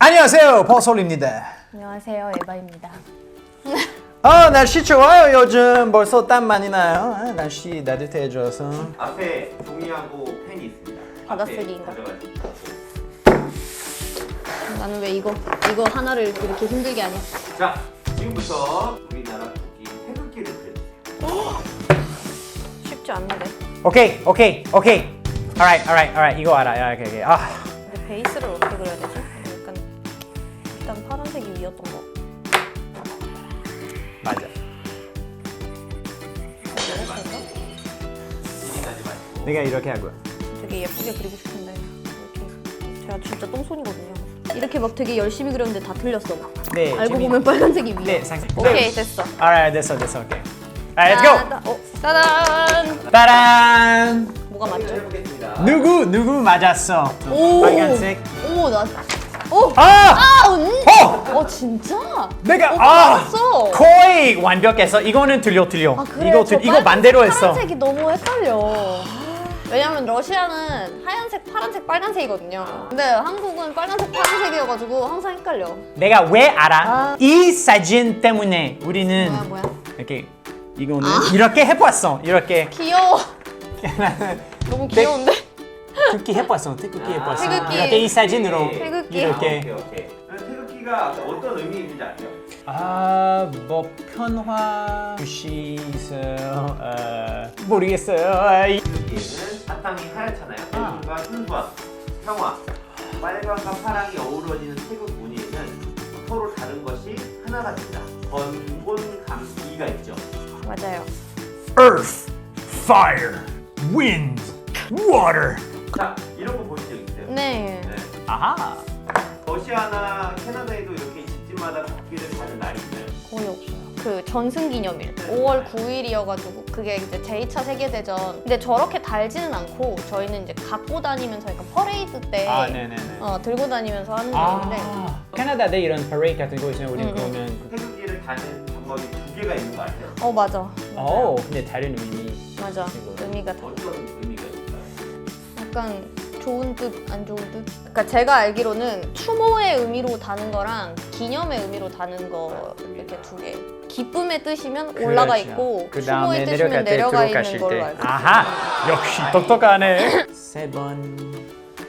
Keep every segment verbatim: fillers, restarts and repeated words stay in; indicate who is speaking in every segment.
Speaker 1: 안녕하세요, 버솔입니다.
Speaker 2: 안녕하세요, 에바입니다.
Speaker 1: 아, 날씨 좋아요. 요즘 벌써 땀 많이 나요. 아, 날씨 따뜻해져서.
Speaker 3: 앞에 종이하고 펜이 있습니다.
Speaker 2: 받아쓰기인가?
Speaker 3: 앞에 가져가세요.
Speaker 2: 나는 왜 이거 이거 하나를 이렇게 힘들게 하냐?
Speaker 3: 자, 지금부터 우리나라 국기 태극기를 그려주세요.
Speaker 2: 쉽지 않는데.
Speaker 1: 오케이, 오케이, 오케이. Alright, alright, alright. 이거 알아. 야, 오케이, 오케이. 아,
Speaker 2: 근데 베이스를 어떻게 그려야 되지? 약간 일단 파란색이 위였던 거.
Speaker 1: 맞아.
Speaker 3: 진입하지 마시고.
Speaker 1: 내가 이렇게 하고.
Speaker 2: 되게 예쁘게 그리고 싶은데 이렇게 제가 진짜 똥손이거든요. 이렇게 막 되게 열심히 그렸는데 다 틀렸어.
Speaker 1: 네.
Speaker 2: 알고
Speaker 1: 재미-
Speaker 2: 보면 빨간색이 위에.
Speaker 1: 네, 상상.
Speaker 2: 오케이 됐어.
Speaker 1: Alright, 됐어, 됐어. 오케이. Alright, let's go.
Speaker 2: 따다- 어, 따단.
Speaker 1: 따란.
Speaker 2: 뭐가 맞죠?
Speaker 3: 해보겠습니다.
Speaker 1: 누구 누구 맞았어?
Speaker 2: 오.
Speaker 1: 빨간색.
Speaker 2: 오 나. 오.
Speaker 1: 아!
Speaker 2: 아 언니.
Speaker 1: 어!
Speaker 2: 어 진짜?
Speaker 1: 내가
Speaker 2: 오빠
Speaker 1: 아
Speaker 2: 맞았어.
Speaker 1: 거의 완벽했어. 이거는 틀려 틀려.
Speaker 2: 아 그래?
Speaker 1: 이거
Speaker 2: 저
Speaker 1: 틀, 이거
Speaker 2: 빨간색,
Speaker 1: 반대로 했어.
Speaker 2: 파란색이 너무 헷갈려. 왜냐면 러시아는 하얀색, 파란색, 빨간색이거든요. 근데 한국은 빨간색, 파란색이어가지고 항상 헷갈려.
Speaker 1: 내가 왜 알아?
Speaker 2: 아.
Speaker 1: 이 사진 때문에 우리는
Speaker 2: 뭐야 뭐야?
Speaker 1: 이렇게 이거는 이렇게 해봤어. 이렇게
Speaker 2: 귀여워.
Speaker 1: 나는
Speaker 2: 너무 귀여운데?
Speaker 1: 특히 해봤어. 특히 해봤어.
Speaker 2: 태극기.
Speaker 1: 이렇게 이 사진으로
Speaker 2: 태극기.
Speaker 1: 이렇게.
Speaker 3: 오케이, 오케이. 그럼 태극기가 어떤 의미 있는지 아세요?
Speaker 1: 아뭐 편화 뜻이 있어요. 어, 모르겠어요. 아, 이-
Speaker 3: 태극기는 바탕이 하얗잖아요.
Speaker 1: 아.
Speaker 3: 태극과 순수함, 평화, 빨강과 파랑이 어우러지는 태극 무늬에는 서로 다른 것이 하나가 된다. 건곤감기가 있죠.
Speaker 2: 맞아요.
Speaker 1: Earth, fire, wind, water.
Speaker 3: 자, 이런 거 보신 적 있어요?
Speaker 2: 네.
Speaker 3: 네.
Speaker 1: 아하.
Speaker 3: 러시아나 캐나다에도 이렇게 집집마다 국기를 다는 날이 있나요?
Speaker 2: 거의 없어요. 그 전승기념일 오월 구일이어가지고 그게 이제 제이 차 세계대전. 근데 저렇게 달지는 않고 저희는 이제 갖고 다니면서 약간 퍼레이드 때
Speaker 1: 아, 네네네.
Speaker 2: 어, 들고 다니면서 하는 건데.
Speaker 1: 아, 캐나다에 이런 퍼레이드 같은 거 있으면 우리는
Speaker 2: 응,
Speaker 1: 그러면
Speaker 3: 태극기를 다는 방법이 두 개가 있는 거 아세요?
Speaker 2: 어 맞아.
Speaker 1: 어, 근데 다른 의미.
Speaker 2: 맞아.
Speaker 1: 이거.
Speaker 2: 의미가 다.
Speaker 3: 어떤 의미가 있을까요?
Speaker 2: 약간 좋은 뜻, 안 좋은 뜻? 그러니까 제가 알기로는 추모의 의미로 다는 거랑 기념의 의미로 다는 거 이렇게 두 개. 기쁨의 뜻이면 올라가 있고
Speaker 1: 그
Speaker 2: 추모의
Speaker 1: 다음에
Speaker 2: 뜻이면
Speaker 1: 내려갈 때
Speaker 2: 내려가
Speaker 1: 들어가실
Speaker 2: 있는 걸로
Speaker 1: 때.
Speaker 2: 알고.
Speaker 1: 아하, 역시 똑똑하네. 세 번,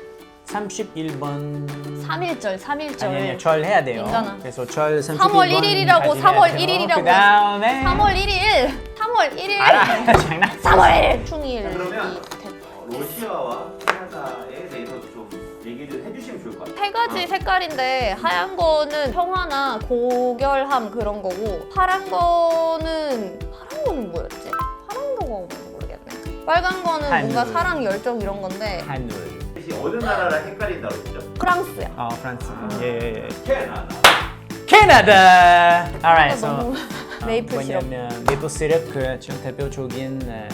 Speaker 1: 삼십일 번.
Speaker 2: 삼일절, 삼일절.
Speaker 1: 아니 아니, 절 해야 돼요.
Speaker 2: 인간아.
Speaker 1: 그래서 절 삼십일 번.
Speaker 2: 삼월 일일이라고, 삼월 일일이라고.
Speaker 1: 그 다음에.
Speaker 2: 삼월 일일, 삼월 일일.
Speaker 1: 알아, 장난.
Speaker 2: 삼월 일일. 충일.
Speaker 3: 자, 그러면
Speaker 2: 이 대-
Speaker 3: 어, 러시아와 캐나다에 대해서 좀 얘기를 해주시면 좋을 것 같아요.
Speaker 2: 세 가지 색깔인데 하얀 거는 평화나 고결함 그런 거고 파란 거는 파란 거는 뭐였지? 파란 거가 뭔지 모르겠네. 빨간 거는 뭔가
Speaker 1: 하늘.
Speaker 2: 사랑, 열정 이런 건데
Speaker 1: 하늘.
Speaker 3: 혹시 어느 나라랑 헷갈린다고 했죠?
Speaker 2: 프랑스야.
Speaker 1: 어, 프랑스. 예, 예, 예.
Speaker 3: 캐나다.
Speaker 1: 캐나다. Alright, so.
Speaker 2: 너무 메이플 시럽.
Speaker 1: 뭐냐면 메이플 시럽 그 좀 대표적인 어,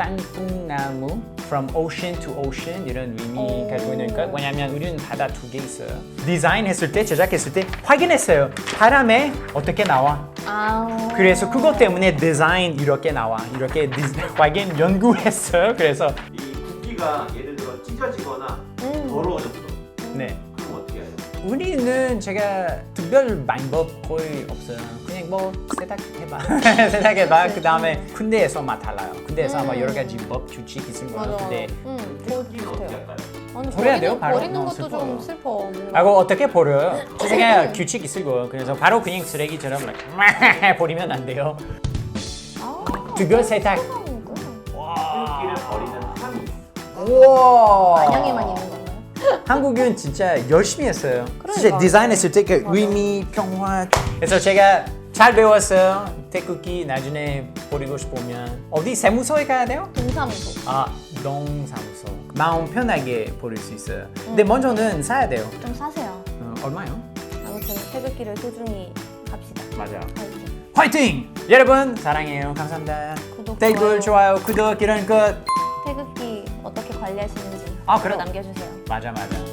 Speaker 1: 땅콩나무 from ocean to ocean 이런 의미
Speaker 2: 오.
Speaker 1: 가지고 있는 것. 왜냐면 우리는 바다 두 개 있어요. 디자인했을 때 제작했을 때 확인했어요. 바람에 어떻게 나와?
Speaker 2: 아.
Speaker 1: 그래서 그것 때문에 디자인 이렇게 나와. 이렇게 디, 확인 연구했어요. 그래서
Speaker 3: 이 국기가 예를 들어 찢어지거나
Speaker 2: 음.
Speaker 3: 더러워졌어.
Speaker 1: 네.
Speaker 3: 그럼 어떻게 해요?
Speaker 1: 우리는 제가 특별 방법 거의 없어요. 그냥 뭐 세탁해봐, 세탁해봐. 그 다음에 군대에서 막 달라요. 군대에서
Speaker 2: 음.
Speaker 1: 아마 여러 가지 법 규칙 있을 거예요.
Speaker 2: 맞아.
Speaker 1: 근데
Speaker 2: 응, 저
Speaker 3: 국기는 어떻게
Speaker 2: 비슷해요.
Speaker 3: 할까요?
Speaker 2: 아니,
Speaker 1: 버려야
Speaker 2: 버리는,
Speaker 1: 돼요, 바로?
Speaker 2: 버리는
Speaker 1: 어,
Speaker 2: 것도
Speaker 1: 슬퍼요.
Speaker 2: 좀 슬퍼. 뭔가.
Speaker 1: 하고 어떻게 버려요? 제가 규칙 있을 거예요. 그래서 바로 그냥 쓰레기처럼 like, 버리면 안 돼요.
Speaker 2: 아,
Speaker 1: 특별 세탁.
Speaker 2: 세상이구나.
Speaker 3: 태극기를 버리는 항의.
Speaker 1: 우와.
Speaker 2: 안양에만 있는 건가요?
Speaker 1: 한국은 진짜 열심히 했어요. 진짜
Speaker 2: 그러니까.
Speaker 1: 디자인했을 때 그
Speaker 2: 맞아.
Speaker 1: 의미, 평화. 그래서 제가 잘 배웠어요. 태극기 나중에 버리고 싶으면 어디 세무서에 가야 돼요?
Speaker 2: 동사무소.
Speaker 1: 아, 농사무소. 마음 편하게 버릴 수 있어요. 근데 먼저는 사야 돼요.
Speaker 2: 좀 사세요.
Speaker 1: 어, 얼마요?
Speaker 2: 아무튼 태극기를 소중히 합시다.
Speaker 1: 맞아요.
Speaker 2: 화이팅.
Speaker 1: 화이팅! 여러분 사랑해요. 감사합니다.
Speaker 2: 구독,
Speaker 1: 댓글, 좋아요, 구독 이런 것.
Speaker 2: 태극기 어떻게 관리하시는지
Speaker 1: 아,
Speaker 2: 댓글
Speaker 1: 그래요?
Speaker 2: 남겨주세요.
Speaker 1: 맞아 맞아.